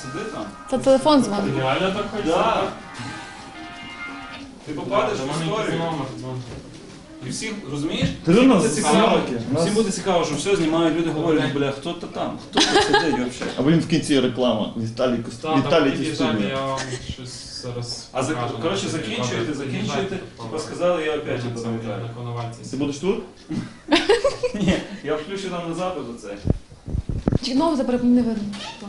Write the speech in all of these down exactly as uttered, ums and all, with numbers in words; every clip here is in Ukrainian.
сиди там. Це телефон дзвонить. Реально так хочеш? Да. Ти попадеш в історію. І всіх, розумієш? Ти Всім у нас буде цікаво, зйомки. всім буде цікаво, що все знімають, люди говорять, бля, хто то там, хто тут сидить взагалі. А потім в кінці реклама. Віталій Костюм. Віталій Тістовий. Я вам щось зараз А за, покажу. коротше, закінчуєте, закінчуєте, типа сказали, я опять Це буду на пам'ятаю. Коновальці. Ти будеш тут? Ні, я включу нам на запис оце. Чи нову забрав, не видно.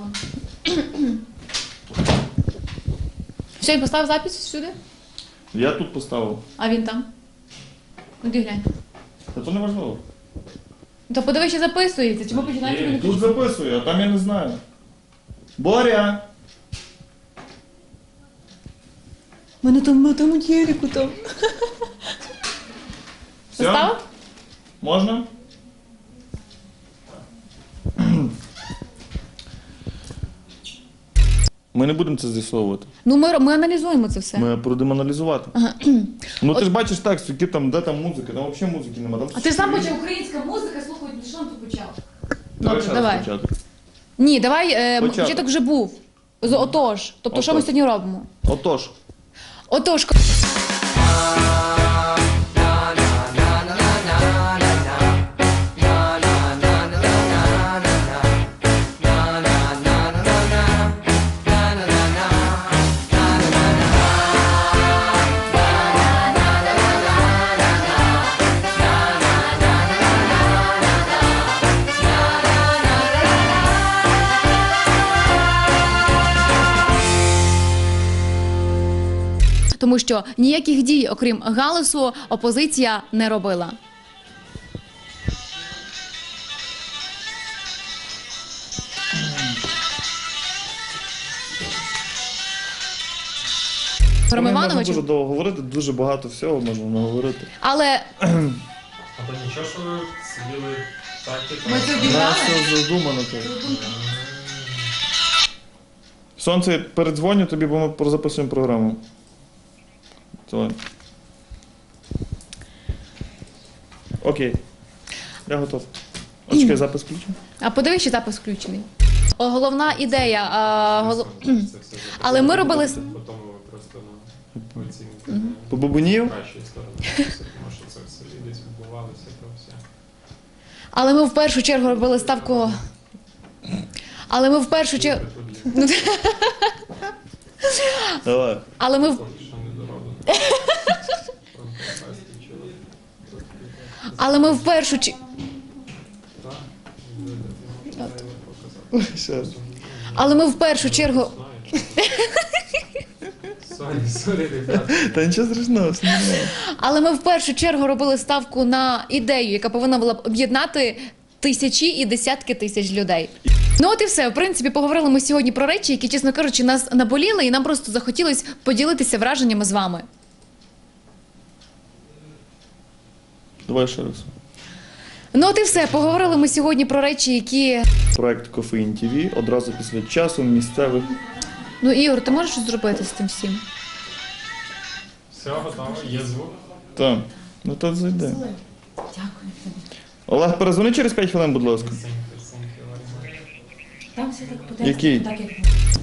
Все, він поставив запис сюди, Я тут поставив. а він там. Ну, де глянь. Та то не важливо. То подиви, що записується, чому починаєте мене Тут записую, а там я не знаю. Боря! У мене там на тому телеку там. Все? Поставив? Можна? Ми не будемо це з'ясовувати. Ну, ми, ми аналізуємо це все. Ми будемо аналізувати. Ну ти ж бачиш текст, які там, де там музика, там взагалі музики немає. А ти ж сам почав українська музика, слухай, що там тут почав? Давай Добре, ще раз давай. початок. Ні, давай, е, Початок. початок вже був. З отож. Тобто, що ми Отож. сьогодні робимо? Отож. Отож, тому що ніяких дій, окрім галасу, опозиція не робила. Ром Можна Іванович, дуже довго говорити, дуже багато всього можна наговорити. але А то нічого, що ви сиділи так, типу. ми це У обіграли. нас все задумано так. Сонце, передзвоню тобі, бо ми записуємо програму. Давай. Окей. Я готов. А чекай, запис включу. А подивись, що запис включений. О, головна ідея. А, голов... Але ми робили... Потім ви просто на оцінку По бабунів? кращої сторони. Тому що це все десь відбувалося, то все. Але ми в першу чергу робили ставку. Але ми в першу чергу. Давай. Але ми в. Поки що не дороблено. Але ми в першу чергу. Ще раз. Але ми в першу чергу. Сорі, сорі, ребята. Та нічого страшного, все нормально. Але ми в першу чергу робили ставку на ідею, яка повинна була б об'єднати тисячі і десятки тисяч людей. Ну от і все. В принципі, поговорили ми сьогодні про речі, які, чесно кажучи, нас наболіли, і нам просто захотілося поділитися враженнями з вами. Давай ще раз. Ну от і все. Поговорили ми сьогодні про речі, які. Проект Кофеїн ТВ одразу після часу місцевих. Ну, Ігор, ти можеш щось зробити з цим всім? Все, готово, є звук. Так. Ну то зайде. Дякую. Олег, перезвони через п'ять хвилин, будь ласка. Там все так по Який? так, як.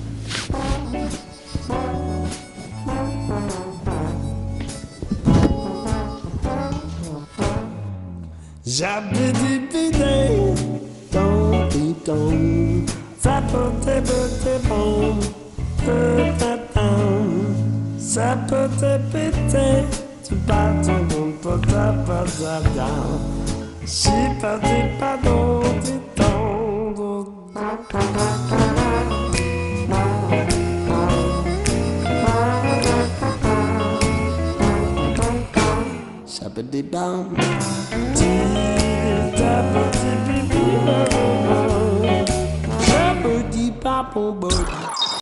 Jabba-dibba-day, don't-be-dong, zappa-dibba-dibba-dong, da-da-dong, zappa-dibba-day, da-ba-dum-ba-da-ba-da-dong, shibba-dibba-dong-di-dong, shabba-dee-dum. Shabba-dee-bee-bee-bee-bee-bee. Shabba-dee-bop-boo-boo.